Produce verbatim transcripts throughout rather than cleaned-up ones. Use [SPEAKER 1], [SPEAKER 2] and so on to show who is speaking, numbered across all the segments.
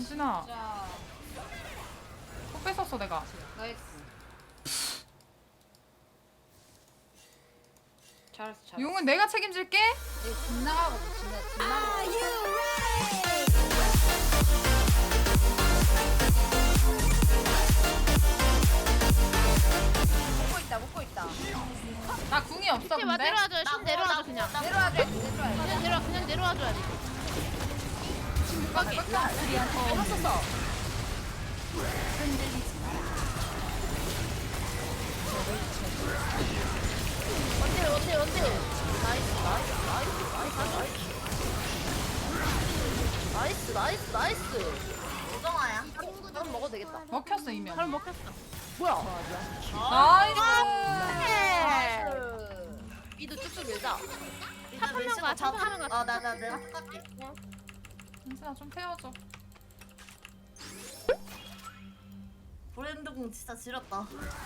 [SPEAKER 1] 은진아,
[SPEAKER 2] 자,
[SPEAKER 1] 또 뺏었어 내가.
[SPEAKER 2] 나이스. 잘했어, 잘했어.
[SPEAKER 1] 용은 내가 책임질게.
[SPEAKER 2] 얘 빗나가고 진짜 빗나가고. 먹고 있다, 먹고 있다.
[SPEAKER 1] 나 궁이 없어
[SPEAKER 3] 와
[SPEAKER 1] 근데.
[SPEAKER 3] 내려와줘요. 신 내려와줘 그냥.
[SPEAKER 2] 내려와줘야 돼, 내려와야 돼.
[SPEAKER 3] 그냥 내려와 그냥 내려와줘야 돼. 지금 못 가게.
[SPEAKER 2] 어, 했었어.
[SPEAKER 3] 원딜 원딜 원딜. 나이스 나이스 나이스 나이스 나이스 나이스 나이스.
[SPEAKER 2] 오정아야.
[SPEAKER 3] 바로 먹어도 되겠다.
[SPEAKER 1] 먹혔어 이면.
[SPEAKER 3] 바로 먹혔어. 뭐야?
[SPEAKER 1] 나이스.
[SPEAKER 3] 미도 쭉쭉 밀자.
[SPEAKER 2] 일단
[SPEAKER 3] 탑
[SPEAKER 2] 밀치고
[SPEAKER 3] 가,
[SPEAKER 2] 저
[SPEAKER 3] 탑
[SPEAKER 2] 탑-
[SPEAKER 3] 하는 거
[SPEAKER 2] 어, 나, 나, 내가 탑갈게.
[SPEAKER 1] 은진아 좀 태워줘.
[SPEAKER 2] 브랜드공 진짜 지렸다.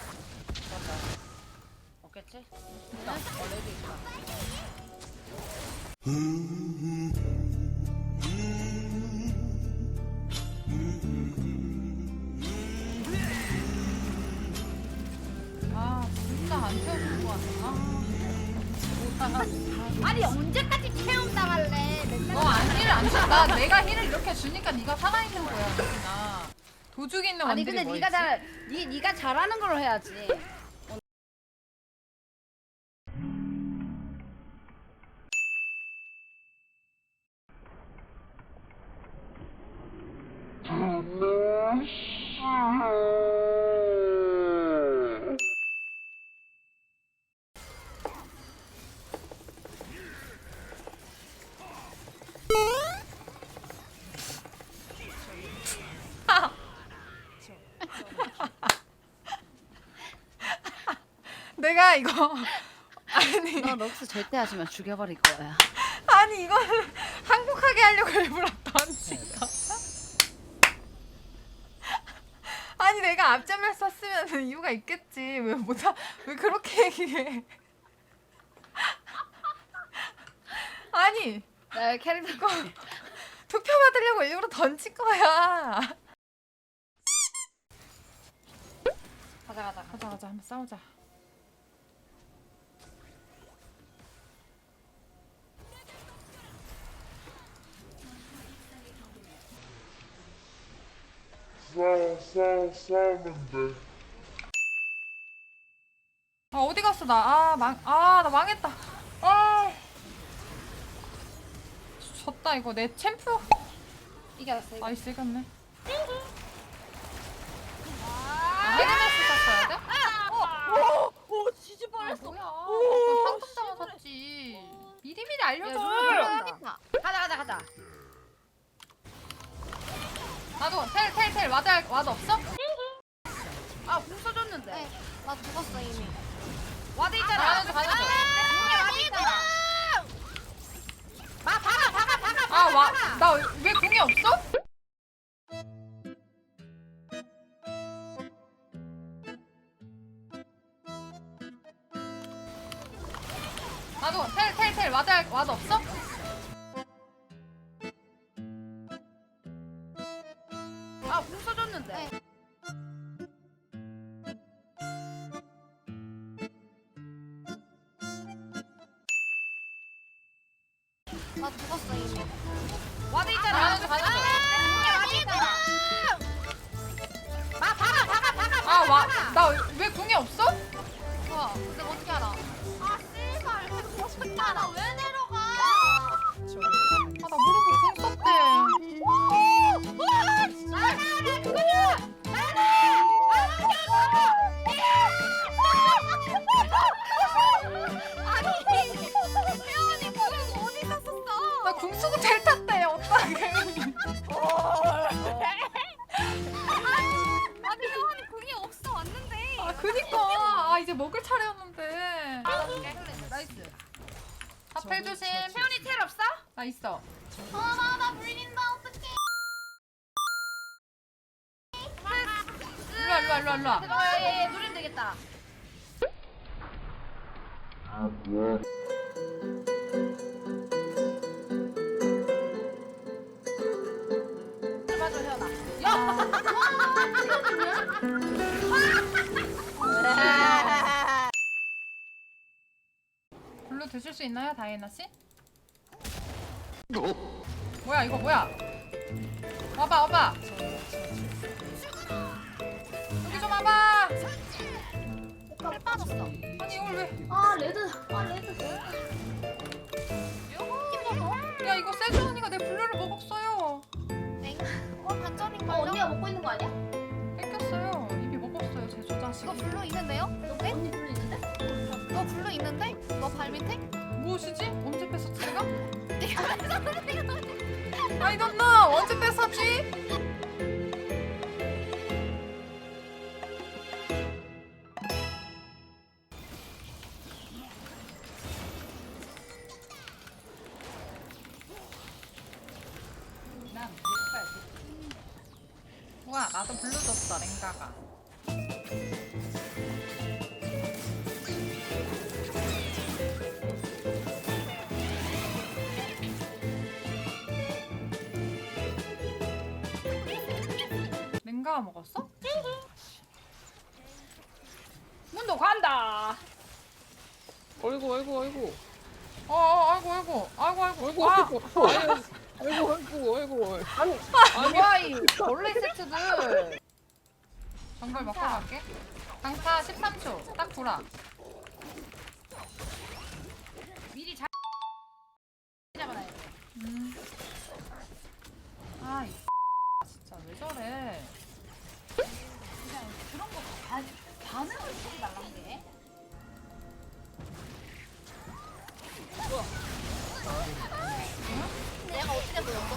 [SPEAKER 3] 먹겠지?
[SPEAKER 2] 있다. 어, 레드 있다.
[SPEAKER 1] 아 진짜 안 태워줄 것 같아.
[SPEAKER 3] 아니 언제까지 체험 당할래? 맨날.
[SPEAKER 1] 너안 힐을 안 줘. 나 내가 힐을 이렇게 주니까 네가 살아있는 거야 은진아. 도죽 있는
[SPEAKER 4] 아니
[SPEAKER 1] 원딜이
[SPEAKER 4] 근데
[SPEAKER 1] 뭐
[SPEAKER 4] 네가
[SPEAKER 1] 있지?
[SPEAKER 4] 잘 네, 네가 잘하는 걸로 해야지.
[SPEAKER 1] 내가 이거 아니
[SPEAKER 4] 너 럭스 절대 하지만 죽여버릴 거야.
[SPEAKER 1] 아니 이거는 항복하게 하려고 일부러 던진 거. 아니 내가 앞전멸 썼으면 이유가 있겠지. 왜 못하 왜 그렇게 얘기해? 아니
[SPEAKER 4] 나 캐릭터
[SPEAKER 1] 투표 받으려고 일부러 던진 거야.
[SPEAKER 4] 가자 가자.
[SPEAKER 1] 가자 가자 한번 싸우자.
[SPEAKER 5] 싸워 싸워 싸우면 돼.
[SPEAKER 1] 아 어디 갔어 나? 아망아 나 망했다. 아 졌다 이거 내 챔프.
[SPEAKER 4] 이겼어. 이거.
[SPEAKER 1] 나이스 이겼네. 아 헤드메스 샀어야 돼?
[SPEAKER 3] 오 지지
[SPEAKER 1] 아 뭐야? 나 방금 당했었지. 미리미리 알려줘.
[SPEAKER 4] 가자 가자 가자.
[SPEAKER 1] 나도 텔 텔 텔 와드 할- 와드 없어?
[SPEAKER 4] 아궁 써줬는데.
[SPEAKER 6] 나 죽었어 이미.
[SPEAKER 4] 와드 있잖아.
[SPEAKER 1] 가야지 가야지.
[SPEAKER 4] 와드 있잖아. 마 박아 박아 박아 박아.
[SPEAKER 1] 아와나 왜 궁이 없어? 나도 텔 텔 텔 와드 할- 와드 없어?
[SPEAKER 4] 아궁 써줬는데.
[SPEAKER 6] 나 죽었어 이미.
[SPEAKER 4] 와드 있잖아.
[SPEAKER 1] 가야지 가야지.
[SPEAKER 4] 와드 있잖아. 마 박아 박아 박아. 박아, 박아.
[SPEAKER 1] 아와나 왜 궁이 없어?
[SPEAKER 6] 와, 근데 어떻게 알아? 아 씨발, 이거 싶다. 나 왜 내려가?
[SPEAKER 1] 아 나 모르고 궁 썼대. 나 궁 쓰고 텔 탔대 어떡해.
[SPEAKER 6] 아니 혜원이 궁이 없어 왔는데.
[SPEAKER 1] 아 그니까 아 이제 먹을 차례였는데.
[SPEAKER 4] 나이스.
[SPEAKER 1] 앞에 조심.
[SPEAKER 4] 혜원이 텔 없어?
[SPEAKER 1] 나 있어.
[SPEAKER 6] 아나나 물린다 어떡해.
[SPEAKER 1] 일로와 일로와 일로와 일로와.
[SPEAKER 4] 어, 예, 예, 누르면 되겠다. 맞아, 혜원아.
[SPEAKER 1] 블루 드실 수 있나요, 다이애나 씨? 뭐야 이거 뭐야? 와봐 와봐. 여기 좀 와봐.
[SPEAKER 6] 해 빠졌어.
[SPEAKER 1] 아니 이걸 왜?
[SPEAKER 4] 아 레드. 아 레드.
[SPEAKER 1] 야 이거 세주 언니가 내 블루를 먹었어요.
[SPEAKER 6] 엥? 어 반전인가요?
[SPEAKER 4] 어 언니가 먹고 있는 거 아니야?
[SPEAKER 1] 뺏겼어요. 이미 먹었어요 제 저
[SPEAKER 6] 이거
[SPEAKER 1] 자식이.
[SPEAKER 6] 블루 있는데요? 네?
[SPEAKER 4] 언니 불러 있는데?
[SPEAKER 6] 너 블루 있는데? 너 발 밑에?
[SPEAKER 1] 무엇이지? 언제 뺏었지 내가?
[SPEAKER 6] 내가
[SPEAKER 1] I don't know. 언제 뺏었지? 우와 나도 블루 줬어 랭가가. 랭가가 먹었어?
[SPEAKER 4] 문도 간다.
[SPEAKER 3] 어이구 어이구 어이구
[SPEAKER 1] 어, 어 아이고 아이고 아이고 아이고
[SPEAKER 3] 어이구
[SPEAKER 1] 아,
[SPEAKER 3] 어이구 어이구 어이구 어이구 아니
[SPEAKER 4] 뭐야 이 벌레 세트들.
[SPEAKER 1] 정글 먹고 갈게. 강타 십삼 초 딱 돌아.
[SPEAKER 4] 미리 잘 잡아놔야 돼.
[SPEAKER 1] 음. 아, 이 진짜 왜 저래?
[SPEAKER 4] 그냥 그런 거 반, 반응을 주지 말란 게.
[SPEAKER 6] 내가 어떻게 보였어?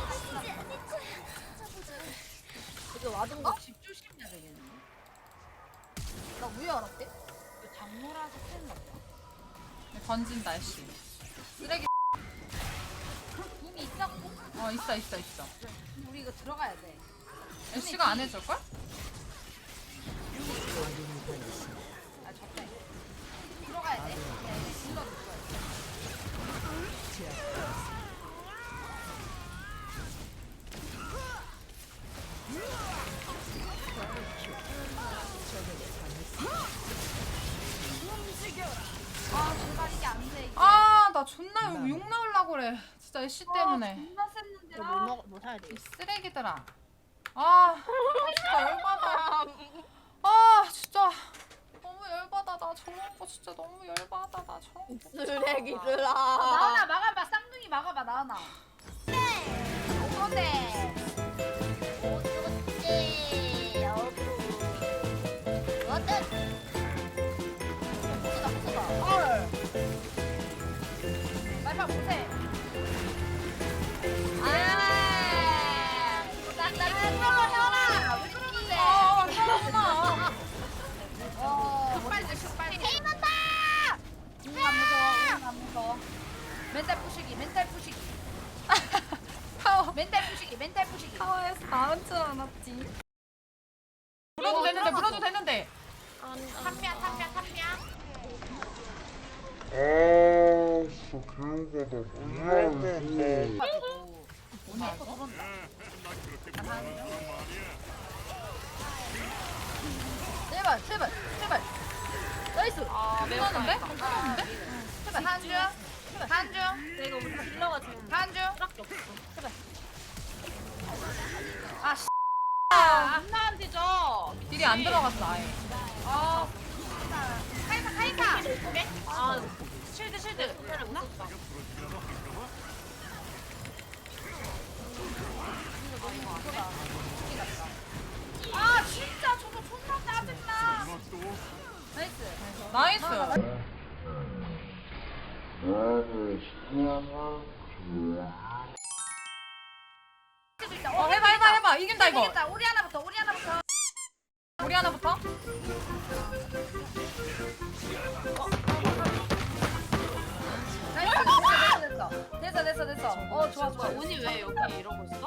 [SPEAKER 4] 이거 와준 거? 집 조심해야 되겠는데.
[SPEAKER 6] 나 왜 알았대?
[SPEAKER 4] 이거 장모라서 큰일 났다.
[SPEAKER 1] 던진 날씨. 쓰레기.
[SPEAKER 4] 붐이 있었고
[SPEAKER 1] 어 있어 있어 있어.
[SPEAKER 4] 우리 이거 들어가야 돼.
[SPEAKER 1] 애쉬가 안 해줄 걸?
[SPEAKER 4] 아 적당히 들어가야 돼. 네, 질러줄 거야. 아 정말 이게 안 돼. 이게.
[SPEAKER 1] 아, 나 존나 욕, 욕 나오려고 그래. 진짜 애쉬 때문에.
[SPEAKER 4] 존나 셌는데.
[SPEAKER 6] 뭐
[SPEAKER 4] 아.
[SPEAKER 6] 먹, 뭐 사야 돼?
[SPEAKER 1] 이 쓰레기들아. 아, 진짜 열받아. 아, 진짜. 너무 열받아. 나 저런 거 진짜 너무 열받아. 나 저런 거.
[SPEAKER 6] 쓰레기들아.
[SPEAKER 4] 아, 나은아 막아봐. 쌍둥이 막아봐 나은아.
[SPEAKER 6] 오네. 오지. 어구. 어떤? 보스다 보스다.
[SPEAKER 4] 헐. 말파 못해.
[SPEAKER 6] 아. 나나 끊어 혀라. 왜 그러는데?
[SPEAKER 1] 아, 짜증나.
[SPEAKER 4] 어. 급발질 급발질.
[SPEAKER 6] 게임한다.
[SPEAKER 4] 응, 안 무서워. 응, 안 무서워. 멘탈 부시기. 멘탈 부시기.
[SPEAKER 1] 파워.
[SPEAKER 4] 멘탈 부시기. 멘탈 부시기.
[SPEAKER 1] 파워에서 나온 줄 알았지. 물어도 되는데, 물어도 되는데.
[SPEAKER 6] 탐미야 탐미야 탐미야.
[SPEAKER 5] 아, 진짜 개우가다. 뭐야, 이거.
[SPEAKER 4] 가지고. 오늘 또 들어온다.
[SPEAKER 6] 제발 제발 제발. 나이스.
[SPEAKER 4] 아,
[SPEAKER 1] 괜찮은데? 괜찮은데?
[SPEAKER 6] 제발 한 줄. 한 줄.
[SPEAKER 2] 내가 우리 딜러가 지금
[SPEAKER 6] 한 줄.
[SPEAKER 2] 밖에 없어.
[SPEAKER 6] 아 씨.
[SPEAKER 2] 안나한테 줘.
[SPEAKER 1] 딜이 안 들어갔어, 아예.
[SPEAKER 6] 아. 카이사 카이사.
[SPEAKER 2] 아 실드 실드. 못 썼다.
[SPEAKER 6] 아 진짜 저거 존나 짜증나.
[SPEAKER 4] 나이스.
[SPEAKER 1] 나이스. 어, 해봐, 해봐, 해봐. 이긴다, 이거.
[SPEAKER 4] 이겼다. 우리 하나부터. 우리 하나부터.
[SPEAKER 1] 우리 하나부터.
[SPEAKER 4] 나이스. 됐어 됐어 됐어 됐어 됐어. 어 좋아 좋아.
[SPEAKER 2] 운이 왜 여기 이러고 있어?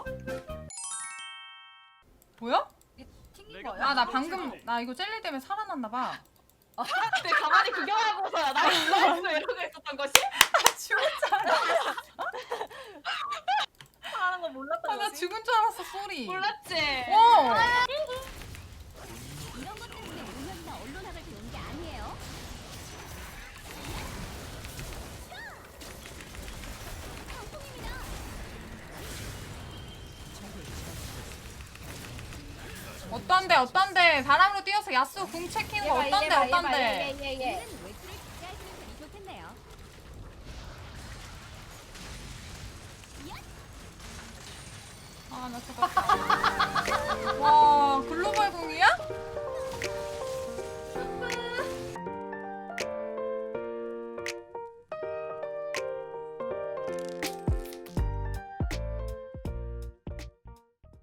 [SPEAKER 1] 뭐야?
[SPEAKER 4] 튕긴 거야?
[SPEAKER 1] 아, 나 방금, 나 이거 젤리 때문에 살아났나봐.
[SPEAKER 2] 근데 가만히 구경하고서야 나 이러고 이러고 있었던 것이?
[SPEAKER 1] 죽은 줄 알았어.
[SPEAKER 2] 하는 거 몰랐던
[SPEAKER 1] 아, 나
[SPEAKER 2] 거지?
[SPEAKER 1] 죽은 줄 알았어, 소리.
[SPEAKER 2] 몰랐지?
[SPEAKER 1] 어.
[SPEAKER 7] 이런 것 때문에 운영이나 언론 학을 배운 게 아니에요.
[SPEAKER 1] 어떤데 어떤데 바람으로 뛰어서 야수 궁 체키는 거 어떤데 어떤데
[SPEAKER 4] 얘얘얘
[SPEAKER 1] 아나 죽었다 와